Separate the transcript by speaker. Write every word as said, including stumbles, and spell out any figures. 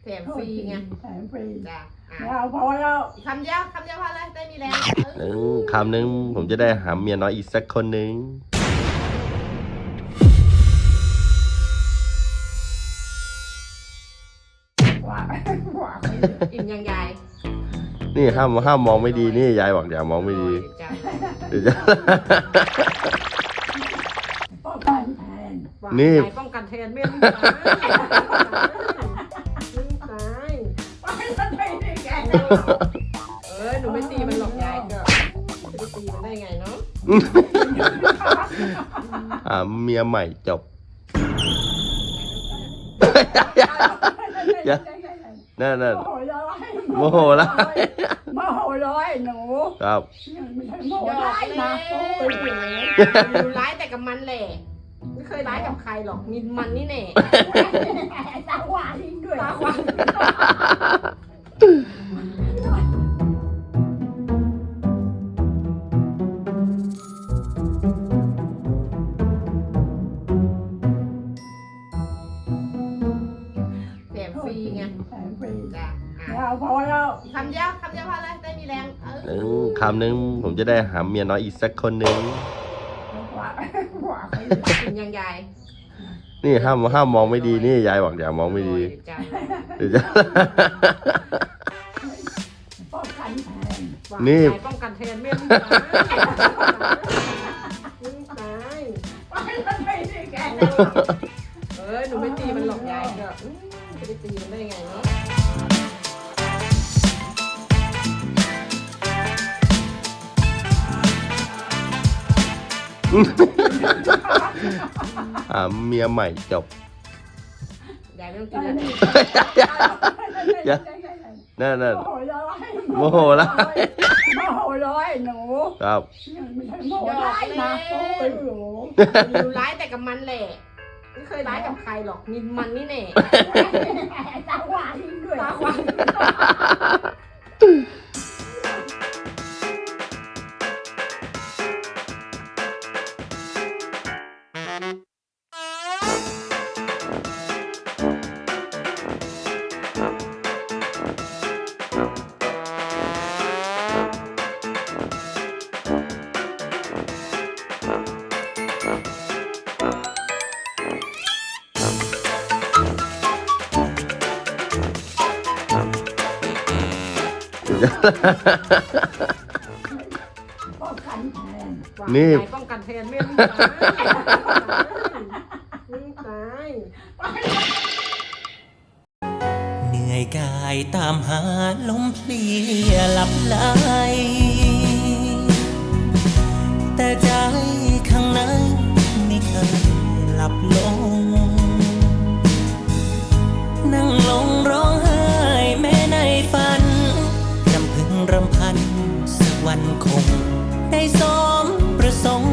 Speaker 1: แถมฟรีไง
Speaker 2: แถมฟรี
Speaker 1: จ้ะอ่ะ
Speaker 2: ไม่เอาพอแล้ว
Speaker 1: คำเดียวคำเดียวพอเลยได้มีแรง
Speaker 3: หนึ่งคำหนึ่งผมจะได้หาเมียน้อยอีกสักคนหนึ่ง
Speaker 2: ว่าว่า
Speaker 1: อิ่มยังยาย
Speaker 3: นี่ห้ามห้ามมองไม่ดีนี่ยายบอกอย่ามองไม่ดี
Speaker 1: จ้ะ
Speaker 3: เดี๋ยวจะ
Speaker 2: ป้องกันแทน
Speaker 3: นี่
Speaker 1: ยายป้องกันแทนไม่ต้องตายไม่ตาย
Speaker 2: ไม่ต้องไปได้แก
Speaker 1: เออหนูไม่ตีมันหรอกยายก็จะไปตีมันได้ไงเนาะ
Speaker 3: หาเมียใหม่จบ อย่า นั่นนั่น
Speaker 2: โมโหร้อย
Speaker 3: โมโหร้าย
Speaker 2: โมโหร้อยหนู
Speaker 3: ครับ
Speaker 2: ไม่ใช่โมโหร้ายนะโอ้ย
Speaker 1: หนูร้ายแต่กับมันแหละไม่เคยร้ายกับใครหรอกมีมันนี่แน่
Speaker 2: ตาหวานด้วย
Speaker 1: ตาควาน แถมฟรีไง
Speaker 2: แถมฟรี
Speaker 1: จ้ะอ่ะ
Speaker 2: ไม่เอาพอแล้ว
Speaker 1: คำเดียวคำเดียวพอเลยได้มีแรงเอ
Speaker 3: หนึ่ง
Speaker 1: อ
Speaker 3: คำหนึ่งผมจะได้หาเมียน้อยอีกสักคนหนึ่ง
Speaker 2: ว่าว่า
Speaker 1: อิ่มยังยาย
Speaker 3: นี่ห้ามห้ามมองไม่ดีนี่ยายบอกอย่ามองไม่ดี
Speaker 1: จ้ะ
Speaker 3: เดี๋ยวจะ
Speaker 2: ป้องกันแทน
Speaker 3: นี่
Speaker 1: ยายป้องกันแทนไม่ต้องตายไม่ต้องตาย
Speaker 2: ไม่ต้องไปได้แก
Speaker 1: เออหนูไม่ตีมันหรอกยายก็อืมจะไปตีมันได้ไงเนาะ
Speaker 3: หาเมียใหม่จบ
Speaker 1: ยายไม่ต้องตีแล้ว
Speaker 3: อย่า นั่นนั่น
Speaker 2: โมโหร้อย
Speaker 3: โมโหร้าย
Speaker 2: โมโหร้อยหนู
Speaker 3: ครับ
Speaker 2: ไม่ใช่โมโหร้ายนะโอ้ย
Speaker 1: หนูร้ายแต่กับมันแหละไม่เคยร้ายกับใครหรอกมีมันนี่แน่
Speaker 2: ตาหวานด้วย
Speaker 1: ตาควาน
Speaker 2: ป้องกันแทน
Speaker 3: นี่
Speaker 1: ยายป้องกันแทนไม่ต้องตายไม่ต้องตาย
Speaker 4: เหนื่อยกายตามหาลมเพลียหลับไหลแต่ใจข้างในไม่เคยหลับลง นั่งลงร้องไห้แม้ในฝันรำพึงรำพันสักวันคงได้สมประสงค์